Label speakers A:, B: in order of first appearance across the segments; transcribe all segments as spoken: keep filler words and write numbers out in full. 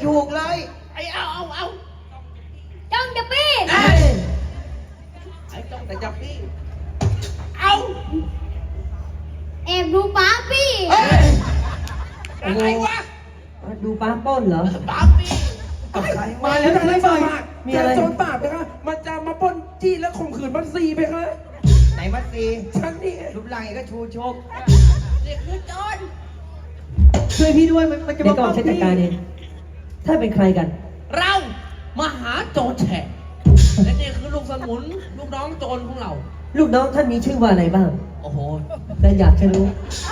A: ถูกเลย
B: ไอ้เอาเอาเอา
C: จ้องจะปี้
A: เอ้ย
B: ไอ้จ้องแต่จับพี่เอา
C: แอบดูป้าปี้
A: เอ้ย
B: อะไรวะ
D: ดูป้าปล้นเหรอ
B: ป๊าปี้
A: กับใคร
E: มาแล้วทำไมบ่อย
D: มีอะไร
E: โจรป่าบนะคะมันจะมาปล้นจี้และข่มขืนบัตซีไปคะ
A: ไหนมัดซี
E: ฉันนี่
A: รูปร่างอย่างก็ชูชก
B: นี่คือโจร
D: ช่วยพี่ด้วยมันมันจะมาก่อนฉันจัดการเองถ้าเป็นใครกัน
B: เรามาหาโจรแฉะและนี่คือลูกสมุนลูกน้องโจรของเรา
D: ลูกน้องท่านมีชื่อว่าอะไรบ้าง
B: โอ้โห
D: และอยากจะรู้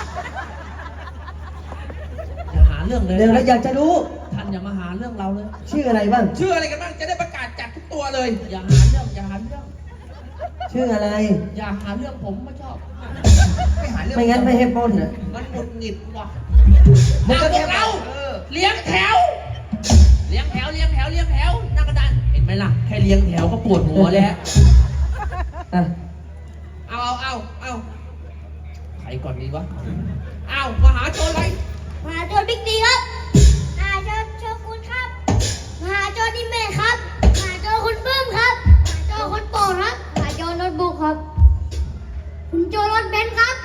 B: อย่าหาเรื่องเลย
D: เดี๋ยวเราอยากจะรู้
B: ท่านอย่ามาหาเรื่องเราเลย
D: ชื่ออะไรบ้าง
E: ชื่ออะไรกันบ้างจะได้ประกาศจับทุกตัวเลย
B: อย่าหาเรื่องอย่าหาเรื่อง
D: ชื่ออะไร
B: อย่าหาเรื่องผมไม่ชอบ
A: ไม่หาเรื่อง
D: ไม่งั้นไม่ให้ปล้นนะ
B: มันหงุดหงิดว่ะ
A: มึงก็
B: พ
A: แค่
B: วกเรา
A: เออ
B: เลี้ยงแถว เลี้ยงแถวเลี้ยงแถวเลี้ยงแถวนั่งกระดานเห็นไหมล่ะแค่เลี้ยงแถวก็ปวดหัวแล้ว
D: อ่ะ
B: เอาเอาเอาเอาใครก่อนดีวะเอามาหาโจรอะไร
C: มหาโจรบิ๊กดีครับมหาโจรโชกุนครับมหาโจรดิเมทครับมหาโจรคุณปื้มครับมหาโจรคุณโปรดครับมหาโจรโน้ตบุ๊กครับคุณโจรรถเบนซ์ครับ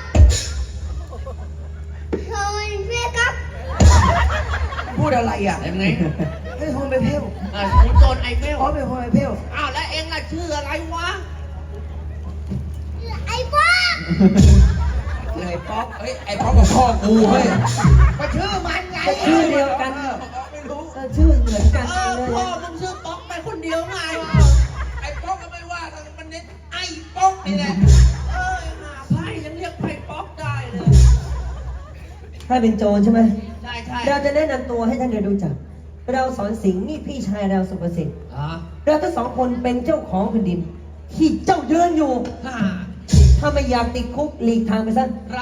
C: โจรเฟียครับ
A: พูดอะไรอ่ะ
B: เห็นไง
A: ให้โฮมไปเพ่ว
B: อ่าคุณโจรไอเฟล
A: อ๋อเป็นโฮมไปเพ่ว
B: อ้าวแล้วเองล่ะชื่ออะไรวะ
C: ไอ้บ้า
A: คือไอ้ป๊อก
E: เฮ้ยไอ้พ่อกับพ่อกูเฮ้ย
A: ก็ชื่อมันไง
D: ก็ชื่อเดียวกัน
A: ออ
E: ไม่รู้
D: เออชื่อเหมือนกัน
B: เอ
D: เล
B: อย พ่อมึงชื่อป๊อกไปคนเดียวไง
E: ไอ้พ่อก็ไม่ว่าแต่มันเน้นไอ้ป้องนี่แหละ
B: เออหาไพ่ยังเรียกไพ่ป๊อกได้เลย
D: ถ้าเป็นโจรใช่ไหม
B: ใช่ใช่
D: เราจะแนะนำตัวให้ท่านได้รู้จัก เราสอนสิงห์นี่พี่ชายเราสุภสิทธิ์
B: อ่า
D: เราทั้งสองคนเป็นเจ้าของแผ่นดิน ที่เจ้ายืนอยู่
B: ฮ่า
D: ถ้าไม่อยากติดคุกหลีกทางไปซะ